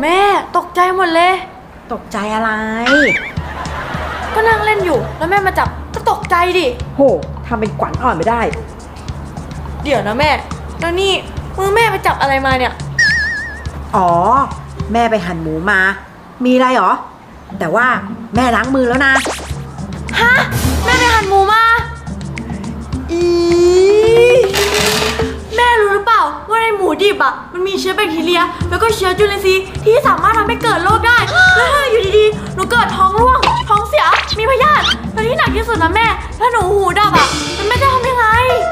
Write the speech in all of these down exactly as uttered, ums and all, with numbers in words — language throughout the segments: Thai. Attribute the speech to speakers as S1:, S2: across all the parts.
S1: แม่ตกใจหมดเลย
S2: ตกใจอะไร
S1: ก็นั่งเล่นอยู่แล้วแม่มาจับก็ตกใจดิ
S2: โหทำเป็นขวัญอ่อนไม่ได้
S1: เดี๋ยวนะแม่แล้วนี่มือแม่ไปจับอะไรมาเนี่ย
S2: อ๋อแม่ไปหั่นหมูมามีอะไรหรอแต่ว่าแม่ล้างมือแล้วนะ
S1: ฮะแม่ไปหั่นหมูมาอีแม่รู้หรือเปล่าว่าในหมูดิบอ่ะมันมีเชื้อแบคทีเรียแล้วก็เชื้อจุลินทรีย์ที่สามารถทำให้เกิดโรคได้แล้วถ้าอยู่ดีๆหนูเกิดท้องร่วงท้องเสียมีพยาธิแล้วที่หนักที่สุดนะแม่ถ้าหนูหูดับอ่ะมันไม่จะทำยังไง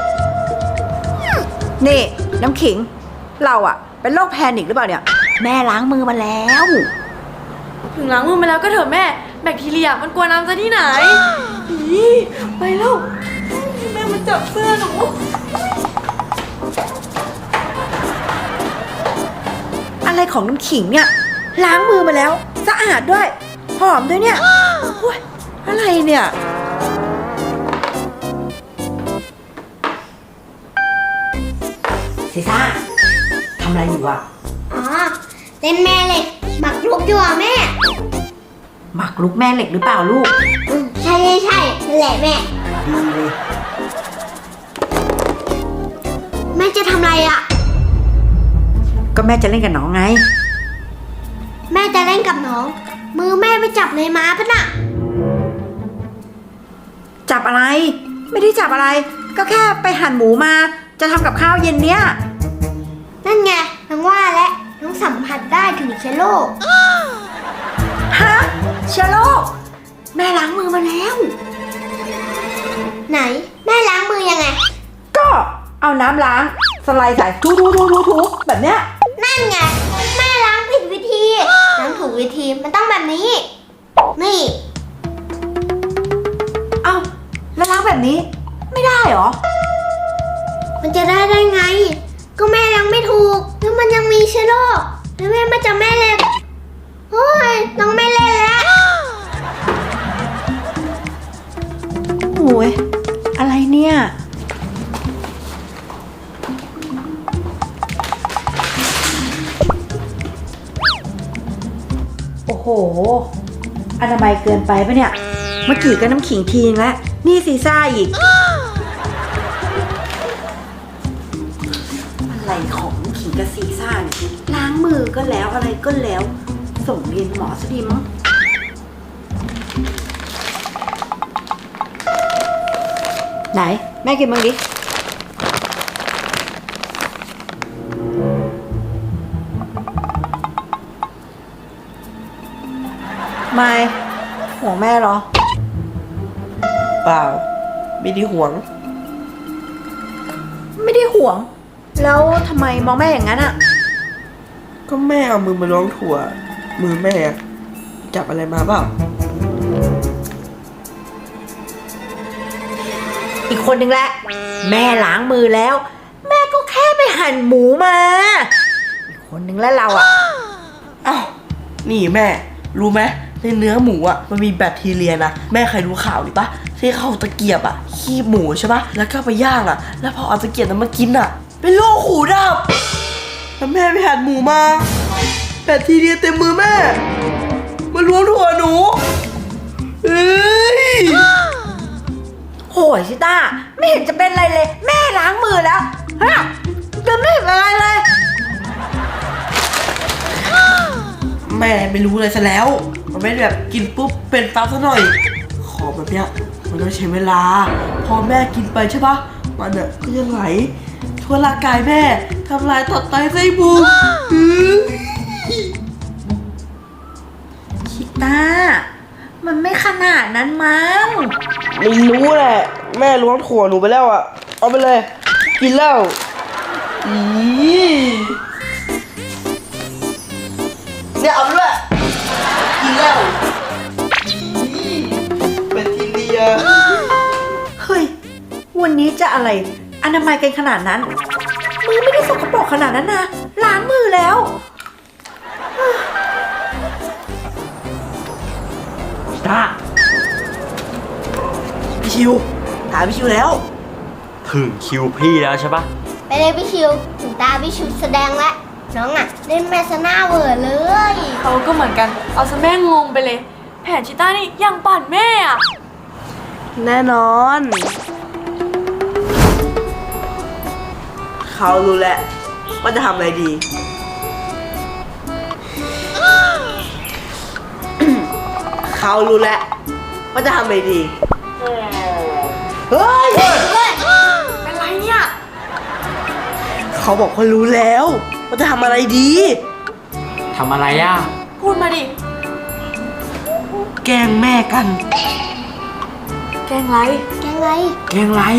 S2: นี่น้ำขิงเราอ่ะเป็นโรคแพนิคหรือเปล่าเนี่ยแม่ล้างมือมาแล้ว
S1: ถึงล้างมือมาแล้วก็เถอะแม่แบคทีเรียมันกลัวน้ำซะที่ไหนไปแล้วแม่มาจับเสื้อหนู
S2: อะไรของน้ำขิงเนี่ยล้างมือมาแล้วสะอาดด้วยหอมด้วยเนี่ยโอ้ยอะไรเนี่ยซีซ่าทำอะไรอยู่อะ
S3: อ๋อเล่นแม่เหล็กหมักลุกอยู่อ่ะแม่
S2: หมักลุกแม่เหล็กหรือเปล่าลูก
S3: อืมใช่ใช่ใช่นั่นแหละแม่
S2: ดีเลย
S3: แม่จะทำอะไรอ่ะ
S2: ก็แม่จะเล่นกับน้องไง
S3: แม่จะเล่นกับน้องมือแม่ไปจับในม้าปะน่ะ
S2: จับอะไรไม่ได้จับอะไรก็แค่ไปหั่นหมูมาจะทำกับข้าวเย็นเนี้ย
S3: นั่นไงน้องว่าและน้องสัมผัสได้ถึงเชื้อโรค
S2: ฮะเชื้อโรคแม่ล้างมือมาแล้ว
S3: ไหนแม่ล้างมือยังไง
S2: ก็เอาน้ำล้างสไลด์ใส่ทูทูทูทูทูแบบเนี้ย
S3: นั่นไงแม่ล้างผิดวิธีล้างถูกวิธีมันต้องแบบนี้นี่
S2: เอ้าแล้วล้างแบบนี้ไม่ได้หรอ
S3: มันจะได้ได้ไงก็แม่ล้างไม่ถูกแล้วมันยังมีเชื้อโรคแล้วแม่มาจับแม่เล็กโอ้ยน้องไม่เล่นแล้ว
S2: โอ้ยอะไรเนี่ยโอ้โหอนามัยเกินไปปะเนี่ยเมื่อกี้ก็น้ำขิงทีนึงแล้วนี่ซีซ่าอีกอะไรของน้ำขิงกับซีซ่าเนี่ยล้างมือก็แล้วอะไรก็แล้วส่งเรียนหมอซะดีมั้งไหนแม่กินบ้างดิไม่ห่วงแม่เหรอ
S4: เปล่าไม่ได้ห่วง
S2: ไม่ได้ห่วงแล้วทำไมมองแม่อย่างนั้นอ่ะ
S4: ก็แม่เอามือมาล้วงถั่วมือแม่จับอะไรมาเปล่า
S2: อีกคนนึงแหละแม่ล้างมือแล้วแม่ก็แค่ไปหั่นหมูมาอีกคนนึงแล้วเราอ่ะ
S4: อ้าวนี่แม่รู้ไหมในเนื้อหมูอ่ะมันมีแบคทีเรียนะแม่เคยรู้ข่าวหรือปะที่เขาตะเกียบอ่ะขี้หมูใช่ปะแล้วก็ไปย่างอ่ะแล้วพอเอาตะเกียบนั้นมากินอ่ะเป็นโรคหูดับแล้วแม่ไปหั่นหมูมาแบคทีเรียเต็มมือแม่มาล้วงถั่วหนูเอ้ย
S2: โหยชิต้าไม่เห็นจะเป็นอะไรเลยแม่ล้างมือแล้วฮะจะไม่เห็นอะไรเลย
S4: แม่ไม่รู้เลยซะแล้วมันไม่แบบกินปุ๊บเป็นปั๊บซะหน่อยขอแบบเนี้ยมันต้องใช้เวลาพอแม่กินไปใช่ปะมันอ่ะก็จะไหลทั่วร่างกายแม่ทำลายตับไตไส้พุง
S2: ชิต้ามันไม่ขนาดนั้นมั้ง
S4: ไม่รู้แหละแม่ล้วงถั่วหนูไปแล้วอ่ะเอาไปเลยกินแล้วอีเนี่ยเอาไปด้วยกินแล้วเป็นทีเดีย
S2: เฮ้ยวันนี้จะอะไรอนามัยกันขนาดนั้นมือไม่ได้สกปรกขนาดนั้นนะล้างมือแล้ว
S4: ตาพี่ชิวถามพี่ชิวแล้ว
S5: ถึงคิวพี่แล้วใช่ปะ
S3: ไปเลยพี่ชิวถึงตาพี่ชิวแสดงแล้วน้องอะเล่นแม่ซะหน้าเวอร์เลย
S1: เขาก็เหมือนกัน เอาซะแม่งงไปเลย แผนชิต้านี่ยังปั่นแม่อะ
S4: แน่นอน เขารู้แล้วว่าจะทำอะไรดี เขารู้แล้วว่าจะทำอะไรดี เฮ้ย
S1: เป็นไรเนี่ย
S4: เขาบอกเขารู้แล้วว่าจะทำอะไรดี
S5: ทำอะไรอ่ะ
S1: พูดมาดิ
S4: แกล้งแม่กัน
S1: แกล้งไร
S3: แกไง
S5: แกล้งไร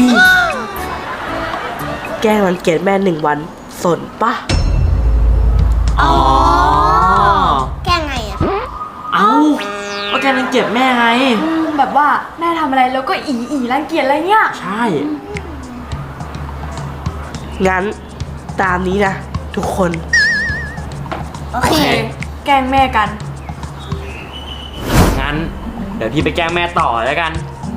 S4: แกล้งวันเกิดแม่หนึ่งวัน สนปะ
S5: อ๋อ
S3: แกไงอะ
S5: เอ้าก็แกรังเกียจแม่ไง
S1: อืมแบบว่าแม่ทำอะไรแล้วก็อีอีรังเกียจอะไรเนี่ย
S5: ใช่
S4: งั้นตามนี้นะ ทุกคน
S3: โอเค
S1: แกล้งแม่กัน
S5: งั้น เดี๋ยวพี่ไปแกล้งแม่ต่อแล้วกัน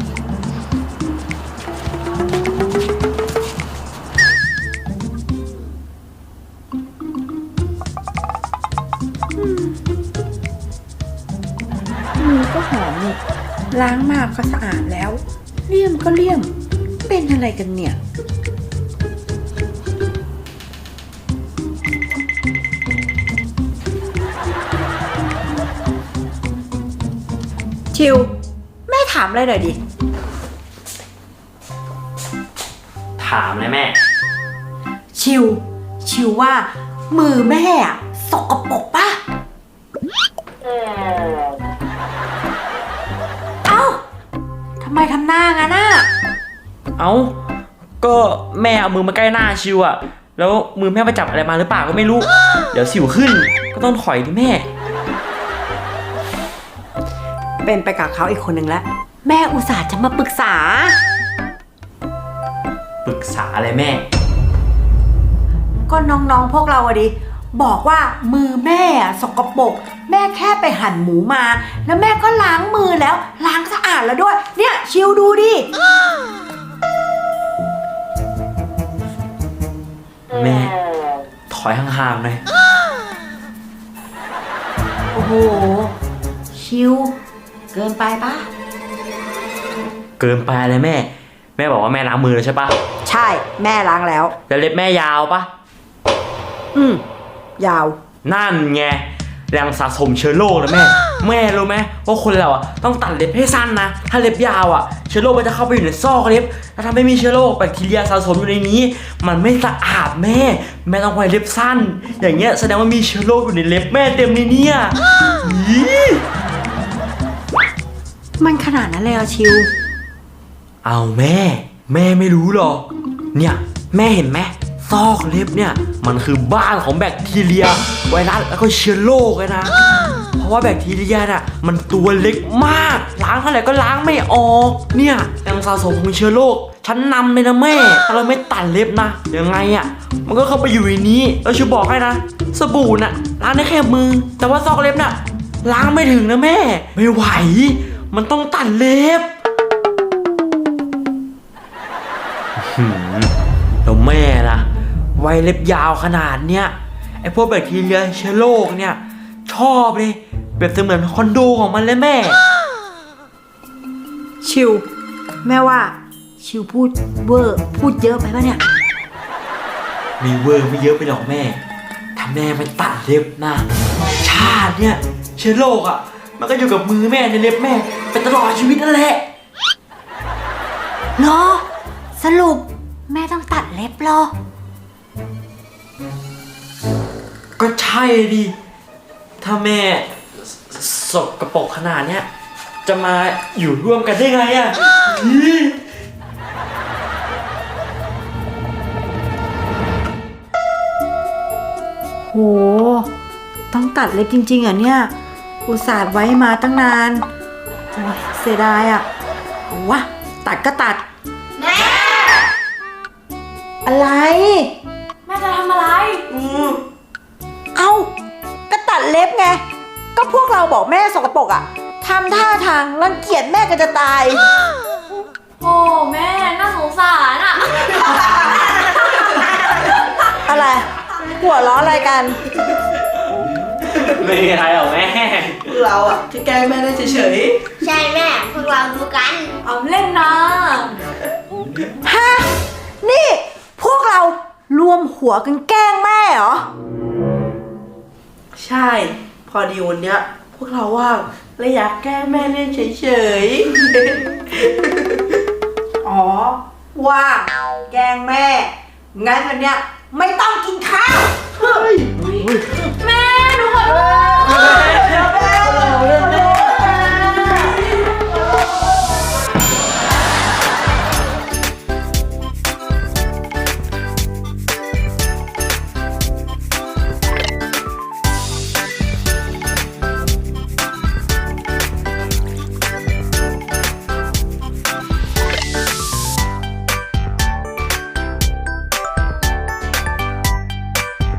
S2: มือก็หอมนี่ล้างมากก็สะอาดแล้ว เลี่ยมก็เลี่ยม เป็นอะไรกันเนี่ย ชิว แม่ถามอะไรหน่อยดิ
S5: ถามเลยแม่
S2: ชิว ชิวว่า มือแม่อะสกปรกปะเอ้าทำไมทำหน้างั้นน่ะ
S5: เอ้า ก็แม่เอามือมาใกล้หน้าชิวอะแล้วมือแม่ไปจับอะไรมาหรือเปล่าก็ไม่รู้ เดี๋ยวสิวขึ้น ก็ต้องถอยดิแม่
S2: เป็นไปกับเขาอีกคนหนึ่งแล้ว แม่อุตส่าห์จะมาปรึกษา
S5: ปรึกษาอะไรแม่
S2: ก็น้องๆพวกเราอะดิ บอกว่ามือแม่อะสกปรกแม่แค่ไปหั่นหมูมา แล้วแม่ก็ล้างมือแล้วล้างสะอาดแล้วด้วย เนี่ยชิวดูดิ
S5: แม่ ถอยห่างๆหน่อย
S2: โอ้โห ชิว เกินไปปะ
S5: เกินไปเลยแม่ แม่บอกว่าแม่ล้างมือแล้วใช่ปะ
S2: ใช่แม่ล้างแล้ว
S5: แล้วเล็บแม่ยาวปะ
S2: อืม ยาว
S5: นั่นไงแรงสะสมเชื้อโรคนะแม่ แม่รู้ไหมว่าคนเราอ่ะต้องตัดเล็บให้สั้นนะ ถ้าเล็บยาวอ่ะเชื้อโรคมันจะเข้าไปอยู่ในซอกเล็บแล้วทำให้มีเชื้อโรคแบคทีเรียสะสมอยู่ในนี้ มันไม่สะอาดแม่ แม่ต้องไว้เล็บสั้น อย่างเงี้ยแสดงว่ามีเชื้อโรคอยู่ในเล็บแม่เต็มเลยเนี่ยอี
S2: มันขนาดนั้นเลยเหรอชิว
S5: เอาแม่ แม่ไม่รู้หรอกเนี่ยแม่เห็นไหมซอกเล็บเนี่ยมันคือบ้านของแบคทีเรียไวรัสแล้วก็เชื้อโรคเลยนะ เพราะว่าแบคทีเรียน่ะมันตัวเล็กมากล้างเท่าไหร่ก็ล้างไม่ออกเนี่ยยังสะสมของเชื้อโรคชั้นนำเลยนะแม่ถ้าเราไม่ตัดเล็บนะยังไงอ่ะมันก็เข้าไปอยู่ในนี้แล้วชูบอกให้นะสบู่น่ะล้างได้แค่มือ แต่ว่าซอกเล็บน่ะล้างไม่ถึงนะแม่ ไม่ไหวมันต้องตัดเล็บหืมแล้วแม่ล่ะไว้เล็บยาวขนาดเนี้ยไอพวกแบคทีเรียเชื้อโรคเนี่ยชอบเลยแบบเสมือนคอนโดของมันเลยแม่
S2: ชิว แม่ว่า ชิวพูดเวอร์พูดเยอะไปปะเนี่ย
S5: มีเวอร์ไม่เยอะไปหรอกแม่ถ้าแม่ไม่ตัดเล็บนะชาติเนี่ยเชื้อโรคอ่ะมันก็อยู่กับมือแม่ในเล็บแม่ไปตลอดชีวิตนั่นแหละ
S2: เหรอ สรุป แม่ต้องตัดเล็บเหรอ
S5: ก็ใช่ดิ ถ้าแม่สสกปรกขนาดเนี้ยจะมาอยู่ร่วมกันได้ไงอ่ะอี
S2: โห ต้องตัดเล็บจริงๆเหรอเนี่ย อุตส่าห์ไว้มาตั้งนาน โอ้ยเสียดายอ่ะเอาวะ ตัดก็ตัด
S3: แม่
S2: อะไร
S1: แม่จะทำอะไร
S2: เอ้า ก็ตัดเล็บไง ก็พวกเราบอกแม่สกปรกอ่ะทำท่าทางรังเกียจแม่ก็จะตาย
S1: โอ้แม่น่าสงสารอ่ะ
S2: อะไร หัววเราะอะไรกัน
S5: ไม่มีอะไรหรอกแม่
S4: พวกเราอ่ะแค่แกล้งแม่ได้เฉย
S3: ใช่แม่ พวกเราดูกัน
S1: เอาเล่นนะ
S2: ฮะ นี่พวกเรารวมหัวกันแกล้งแม่เหรอ
S4: ๆ ใช่ พอดีวันเนี้ย พวกเราว่างเลยอยากแกล้งแม่เล่นเฉย
S2: อ๋อ ว่างแกล้งแม่ งั้นวันเนี้ยไม่ต้องกินข้าว
S4: ๆ เฮ้ย
S5: เฮ้ย